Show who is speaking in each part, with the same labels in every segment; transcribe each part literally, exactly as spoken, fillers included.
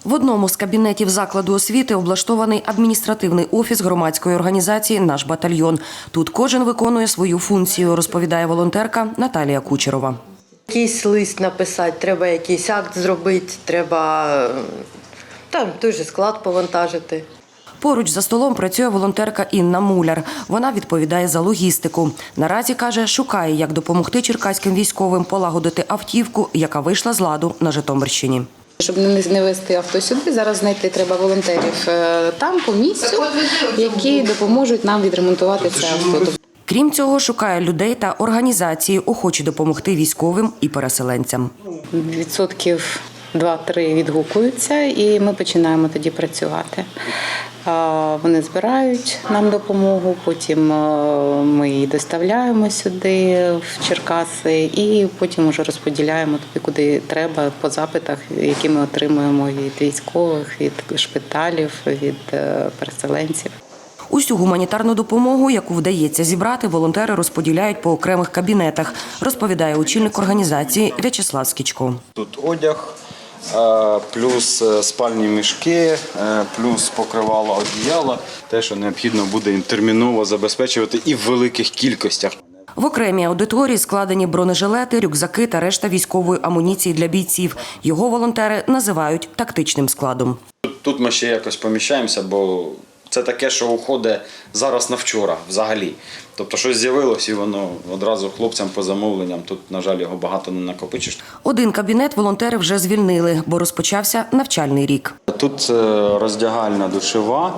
Speaker 1: В одному з кабінетів закладу освіти облаштований адміністративний офіс громадської організації «Наш батальйон». Тут кожен виконує свою функцію, розповідає волонтерка Наталія Кучерова.
Speaker 2: Якийсь лист написати, треба якийсь акт зробити, треба там той же склад повантажити.
Speaker 1: Поруч за столом працює волонтерка Інна Муляр. Вона відповідає за логістику. Наразі, каже, шукає, як допомогти черкаським військовим полагодити автівку, яка вийшла з ладу на Житомирщині.
Speaker 3: Щоб не везти авто сюди, зараз знайти треба волонтерів там, по місцю, які допоможуть нам відремонтувати це авто.
Speaker 1: Крім цього, шукає людей та організації, охочі допомогти військовим і переселенцям.
Speaker 3: Відсотків два-три відгукуються, і ми починаємо тоді працювати. Вони збирають нам допомогу, потім ми її доставляємо сюди, в Черкаси, і потім вже розподіляємо туди, куди треба, по запитах, які ми отримуємо від військових, від шпиталів, від переселенців.
Speaker 1: Усю гуманітарну допомогу, яку вдається зібрати, волонтери розподіляють по окремих кабінетах, розповідає очільник організації В'ячеслав Скічко.
Speaker 4: Тут одяг, плюс спальні мішки, плюс покривало, одіяла, те, що необхідно буде терміново забезпечувати і в великих кількостях.
Speaker 1: В окремій аудиторії складені бронежилети, рюкзаки та решта військової амуніції для бійців. Його волонтери називають тактичним складом.
Speaker 4: Тут ми ще якось поміщаємося, бо це таке, що уходить зараз на вчора взагалі. Тобто щось з'явилось і воно одразу хлопцям по замовленням. Тут, на жаль, його багато не накопичиш.
Speaker 1: Один кабінет волонтери вже звільнили, бо розпочався навчальний рік.
Speaker 4: Тут роздягальна душова.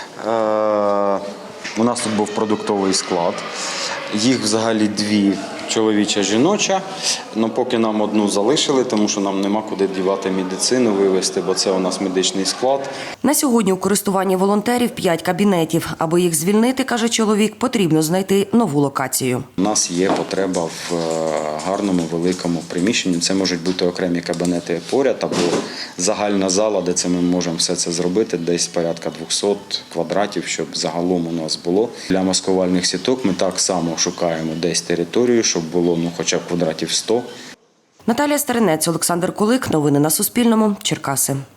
Speaker 4: У нас тут був продуктовий склад. Їх взагалі дві, чоловіча, жіноча. Но поки нам одну залишили, тому що нам нема куди дівати медицину, вивезти, бо це у нас медичний склад.
Speaker 1: На сьогодні у користуванні волонтерів п'ять кабінетів. Аби їх звільнити, каже чоловік, потрібно знайти нову локацію.
Speaker 4: У нас є потреба в гарному, великому приміщенні. Це можуть бути окремі кабінети поряд або загальна зала, де це ми можемо все це зробити, десь порядка двохсот квадратів, щоб загалом у нас було. Для маскувальних сіток ми так само шукаємо десь територію, щоб було ну, хоча б квадратів сто.
Speaker 1: Наталія Старинець, Олександр Кулик. Новини на Суспільному. Черкаси.